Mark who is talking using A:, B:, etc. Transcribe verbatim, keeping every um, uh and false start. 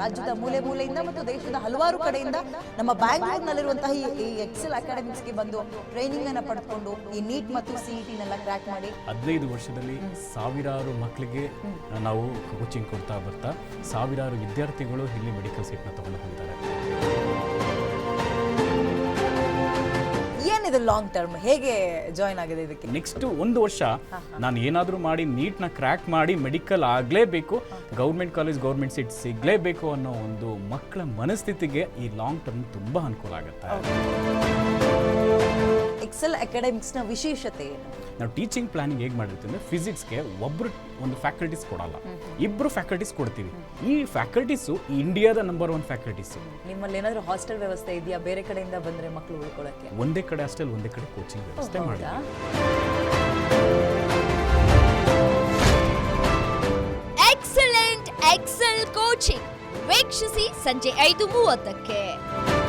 A: ರಾಜ್ಯದ ಮೂಲೆ ಮೂಲೆಯಿಂದ ಮತ್ತು ದೇಶದ ಹಲವಾರು ಕಡೆಯಿಂದ ನಮ್ಮ ಬ್ಯಾಂಗ್ಳೂರ್ನಲ್ಲಿರುವಂತಹ ಈ ಎಕ್ಸೆಲ್ ಅಕಾಡೆಮಿಕ್ಸ್ಗೆ ಬಂದು ಟ್ರೈನಿಂಗ್ ಅನ್ನ ಪಡೆದುಕೊಂಡು ಈ ನೀಟ್ ಮತ್ತು ಸಿಇಟಿನೆಲ್ಲ ಕ್ರ್ಯಾಕ್ ಮಾಡಿ
B: ಹದಿನೈದು ವರ್ಷದಲ್ಲಿ ಸಾವಿರಾರು ಮಕ್ಕಳಿಗೆ ನಾವು ಕೋಚಿಂಗ್ ಕೊಡ್ತಾ ಬರ್ತಾ ಸಾವಿರಾರು ವಿದ್ಯಾರ್ಥಿಗಳು ಇಲ್ಲಿ ಮೆಡಿಕಲ್ ಸೀಟ್ನ ತಗೊಂಡು ಹೋಗಿದ್ದಾರೆ.
A: ಏನಿದೆ ಲಾಂಗ್ ಟರ್ಮ್, ಹೇಗೆ ಜಾಯ್ನ್ ಆಗಿದೆ ಇದಕ್ಕೆ?
B: ನೆಕ್ಸ್ಟ್ ಒಂದು ವರ್ಷ ನಾನು ಏನಾದರೂ ಮಾಡಿ ನೀಟ್ನ ಕ್ರ್ಯಾಕ್ ಮಾಡಿ ಮೆಡಿಕಲ್ ಆಗಲೇಬೇಕು, ಗೌರ್ಮೆಂಟ್ ಕಾಲೇಜ್ ಗೌರ್ಮೆಂಟ್ ಸೀಟ್ ಸಿಗಲೇಬೇಕು ಅನ್ನೋ ಒಂದು ಮಕ್ಕಳ ಮನಸ್ಥಿತಿಗೆ ಈ ಲಾಂಗ್ ಟರ್ಮ್ ತುಂಬ ಅನುಕೂಲ ಆಗುತ್ತೆ.
A: ಎಕ್ಸೆಲ್ ಅಕಾಡೆಮಿಕ್ಸ್ನ ವಿಶೇಷತೆ ಏನು?
B: ನಾವು ಟೀಚಿಂಗ್ ಪ್ಲಾನಿಂಗ್ ಹೇಗೆ ಮಾಡಿರ್ತೀವಿ ಅಂದರೆ ಫಿಸಿಕ್ಸ್ಗೆ ಒಬ್ಬರು ಒಂದು ಫ್ಯಾಕಲ್ಟೀಸ್ ಕೊಡಲ್ಲ, ಇಬ್ಬರು ಫ್ಯಾಕಲ್ಟೀಸ್ ಕೊಡ್ತೀವಿ. ಈ ಫ್ಯಾಕಲ್ಟೀಸು ಇಂಡಿಯಾದ ನಂಬರ್ ಒನ್ ಫ್ಯಾಕಲ್ಟೀಸು.
A: ನಿಮ್ಮಲ್ಲಿ ಏನಾದರೂ ಹಾಸ್ಟೆಲ್ ವ್ಯವಸ್ಥೆ ಇದೆಯಾ? ಬೇರೆ ಕಡೆಯಿಂದ ಬಂದರೆ ಮಕ್ಕಳು ಉಳ್ಕೊಳ್ಳೋಕ್ಕೆ
B: ಒಂದೇ ಕಡೆ ಹಾಸ್ಟೆಲ್, ಒಂದೇ ಕಡೆ ಕೋಚಿಂಗ್ ವ್ಯವಸ್ಥೆ ಮಾಡಿ.
C: ಎಕ್ಸಲೆಂಟ್ ಎಕ್ಸೆಲ್ ಕೋಚಿಂಗ್ ವೀಕ್ಷಿಸಿ ಸಂಜೆ ಐದು ಮೂವತ್ತಕ್ಕೆ.